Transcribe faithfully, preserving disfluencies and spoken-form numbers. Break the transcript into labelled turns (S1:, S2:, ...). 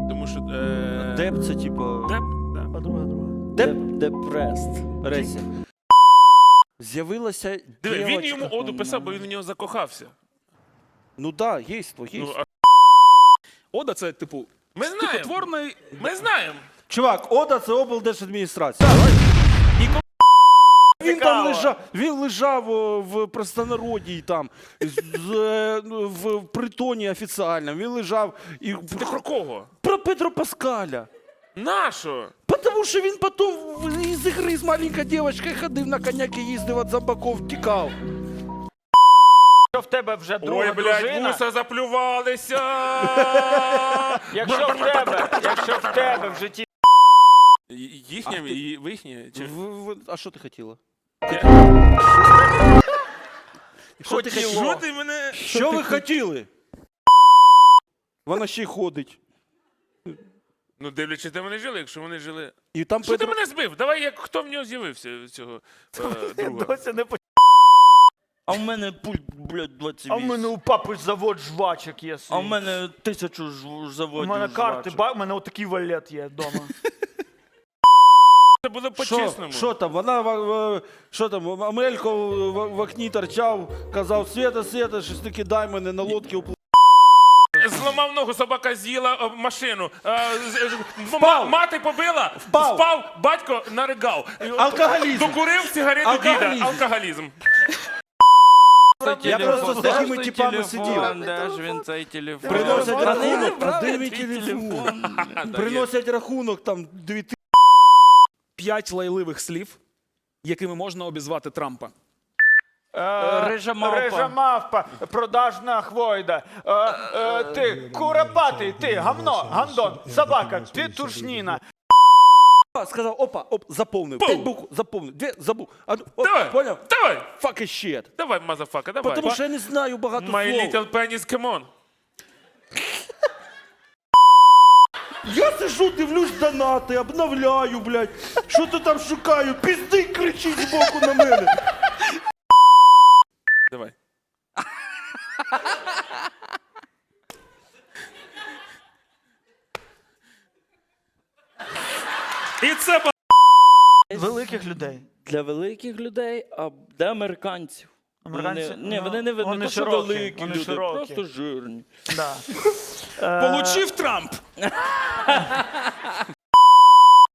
S1: Тому що... Е...
S2: Деп це типу...
S1: Деп? Да.
S3: А друга, друга.
S2: Деп?
S4: Депрест.
S2: Ресі. З'явилася
S1: Диви, він
S2: дівочка.
S1: йому оду писав, бо він в нього закохався.
S2: Ну да, є, то є.
S1: Ну, а...
S3: Ода це, типу,
S1: Ми знаємо.
S3: стихотворний...
S1: Ми знаємо.
S2: Чувак, Ода це облдержадміністрація. Він там лежав, він лежав о, в простонародній там, з- з, е, в притоні офіціально. Він лежав і...
S1: Ти про кого?
S2: Про Педро Паскаля.
S1: Нащо?
S2: Потому що він потім із ігри з маленькою дівчинкою ходив на коняки, їздив від зомбаків, тікав.
S4: Якщо в тебе вже друга
S1: Ой, блядь,
S4: дружина,
S1: вуса заплювалися!
S4: якщо в тебе, якщо в тебе в житті
S1: Їхнє, і їхнє? Чи...
S2: В- в- А що ти хотіла?
S1: Я-
S2: Що ти
S1: Що
S2: хотіла?
S1: ти мене...
S2: Що ви хотіли? Вона ще й ходить.
S1: Ну, дивлячись, де вони жили, якщо вони жили...
S2: І там
S1: Що ти
S2: Педро...
S1: мене збив? Давай, як хто в нього з'явився, цього е, друга?
S4: досі не по...
S5: А в мене пульт, блядь, двадцять
S4: А
S5: вісім.
S4: в мене у папи завод жвачок є. свій.
S5: А в мене тисячу ж
S4: У
S5: заводів
S4: мене карти,
S5: жвачок.
S4: ба... у мене отакий валет є вдома.
S1: Це було
S2: Що,
S1: по-чесному.
S2: що там? Вона, в- в- що там, Амелько в, в окні торчав, казав, Света, Света, щось таки дай мене на лодці уплив.
S1: Зламав ногу, собака з'їла е, машину. Е, з- з- ма-
S2: Впав.
S1: Мати побила,
S2: Впав.
S1: спав, батько наригав. І от
S2: Алкоголізм.
S1: Докурив сигарету діда.
S2: Алкоголізм.
S1: Алкоголізм.
S2: Я просто з такими типами сидів.
S5: Де ж він цей телефон?
S2: Приносять
S5: Та не
S2: рахунок,
S5: брали
S2: а де мій
S5: твій
S2: телефон?
S1: Да, є.
S2: Приносять рахунок, там, дві ти...
S3: п'ять лайливих слів, якими можна обізвати Трампа.
S4: Е,
S5: Рижа мавпа.
S4: Рижа мавпа, продажна хвойда. Е, е, ти куропатий, ти гамно, гандон, собака, ти тушніна.
S2: Сказав, опа, оп, заповнив. П'ять букв, заповнив. Дві, забув. А, оп,
S1: Давай,
S2: поняв?
S1: давай,
S2: Fuck is shit.
S1: давай, мазафака, давай.
S2: Потому що я не знаю багато
S1: My
S2: слов.
S1: little penis, come on.
S2: Я сижу, дивлюсь донати, обновляю, блядь. Що то там шукаю? Пізди кричить збоку на мене.
S1: Давай.
S3: І це ба-
S4: Великих людей.
S5: Для великих людей, а для американців.
S4: Американці,
S5: Вони, ні,
S4: ну,
S5: вони не видно,
S4: вони
S5: то, що
S4: широкі,
S5: великі
S4: вони
S5: люди,
S4: широкі.
S5: просто жирні.
S4: Да.
S3: Получив Трамп